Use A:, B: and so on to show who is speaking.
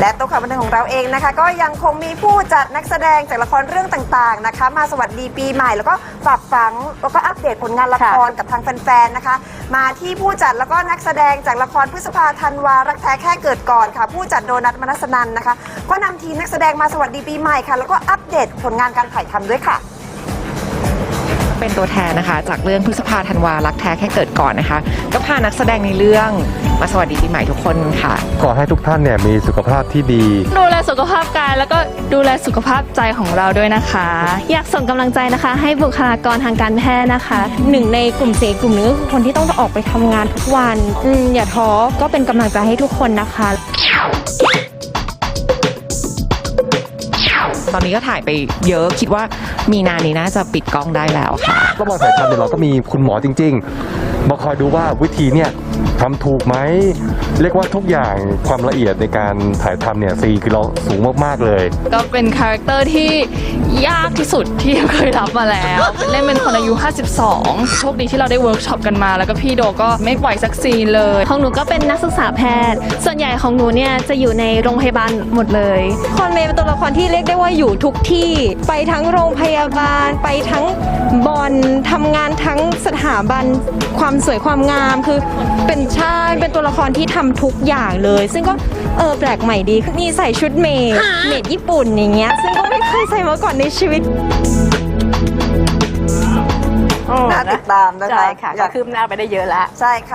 A: และโต๊ะข่าวบันเทิงของเราเองนะคะก็ยังคงมีผู้จัดนักแสดงจากละครเรื่องต่างๆนะคะมาสวัสดีปีใหม่แล้วก็ฝากฝังแล้วก็อัปเดตผลงานละครกับทางแฟนๆนะคะมาที่ผู้จัดแล้วก็นักแสดงจากละครพฤษภาธันวารักแท้แค่เกิดก่อนค่ะผู้จัดโดนัท มนัสนันนะคะก็นำทีมนักแสดงมาสวัสดีปีใหม่ค่ะแล้วก็อัปเดตผลงานการถ่ายทำด้วยค่ะ
B: เป็นตัวแทนนะคะจากเรื่องพฤษภาธันวารักแท้แค่เกิดก่อนนะคะก็พานักแสดงในเรื่องมาสวัสดีปีใหม่ทุกคนค่ะ
C: ขอให้ทุกท่านเนี่ยมีสุขภาพที่ดี
D: ดูแลสุขภาพกายแล้วก็ดูแลสุขภาพใจของเราด้วยนะคะ
E: อยากส่งกำลังใจนะคะให้บุคลากรทางการแพทย์นะคะหนึ่งในกลุ่มเสี่ยงกลุ่มนึงก็คือคนที่ต้องออกไปทำงานทุกวันอย่าท้อก็เป็นกำลังใจให้ทุกคนนะคะ
B: ตอนนี้ก็ถ่ายไปเยอะคิดว่ามีนานี้น่าจะปิดกล้องได้แล้วค่ะ
C: ระหว่างถ่ายทำเนี่ยเราก็มีคุณหมอจริงๆมาคอยดูว่าวิธีเนี่ยทำถูกไหมเรียกว่าทุกอย่างความละเอียดในการถ่ายทำเนี่ยคือเราสูงมากๆเลย
D: ก็เป็นคาแรคเตอร์ที่ยากที่สุดที่เคยรับมาแล้วเล่นเป็นคนอายุ52โชคดีที่เราได้เวิร์กช็อปกันมาแล้วก็พี่โดก็ไม่ปล่อยสักซีนเลย
E: ของหนูก็เป็นนักศึกษาแพทย์ส่วนใหญ่ของหนูเนี่ยจะอยู่ในโรงพยาบาลหมดเลยคอนเมย์เป็นตัวละครที่เรียกได้ว่าอยู่ทุกที่ไปทั้งโรงพยาบาลไปทั้งบอลทำงานทั้งสถาบันความสวยความงามคือเป็นเป็นตัวละครที่ทำทุกอย่างเลยซึ่งก็แปลกใหม่ดีมีใส่ชุดเมดญี่ปุ่นอย่างเงี้ยซึ่งก็ไม่เคยใส่มาก่อนในชีวิต
A: น่าติดตามนะคะ
F: ใช่ค่ะก็คืบหน้าไปได้เยอะแล้ว
A: ใช่ค่ะ